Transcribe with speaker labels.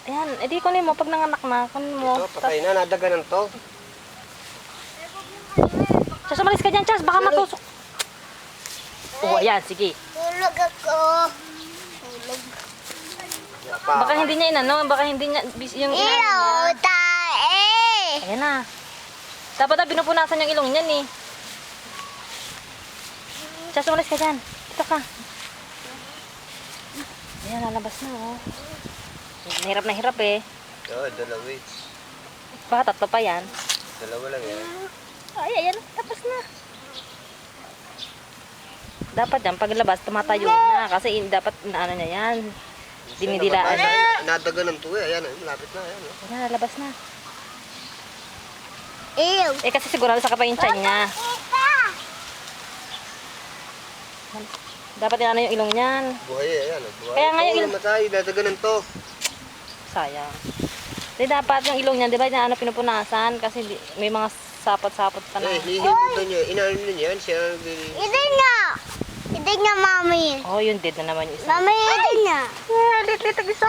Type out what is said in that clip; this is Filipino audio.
Speaker 1: Ayan, edi kunin mo pag nanganak na. Kunin mo.
Speaker 2: Ito, patay na. Nadaganan to.
Speaker 1: Chas, umalis ka dyan, Chas. Baka matusok. Oh, ayan, sige.
Speaker 3: Tulog ako. Tulog.
Speaker 1: Baka hindi niya inano, baka hindi niya yung inano niya.
Speaker 3: Ilaw tae.
Speaker 1: Ayan na. Dapat na pinupunasan yung ilong niyan eh. Chas, umalis ka dyan. Dito ka. Ayan, lalabas na oh. Hirap na hirap eh.
Speaker 2: Oo, dalawa eh.
Speaker 1: Baka tatlo pa yan.
Speaker 2: Dalawa lang yan.
Speaker 1: Ay, ayan, tapos na. Dapat yan, paglabas, tumatayo na. Kasi dapat ano niya yan. Dinidilaan.
Speaker 2: Nadaganan to eh. Ayan, malapit na. Ayan, oh.
Speaker 1: Ayan, lalabas na.
Speaker 3: Ew.
Speaker 1: Eh, kasi sigurado sa kapay yung tiyan niya. Dapat yan yung ilong niyan.
Speaker 2: Buhay eh. Ayan, buhay.
Speaker 1: Kaya nga yung
Speaker 2: Oo,
Speaker 1: ilong-
Speaker 2: namatay. Nadaganan to.
Speaker 1: Sayang. Di dapat yung ilong niyan, di ba na ano pinupunasan? Kasi may mga sapot-sapot pa na.
Speaker 2: Eh, hihimutan niya. Inaano niya yan. Siya
Speaker 3: Hindi nga. Hindi nga, mami.
Speaker 1: Oh, yun dead na naman yung isa.
Speaker 3: Mami, hindi nga.
Speaker 1: Lit-lit ang isa.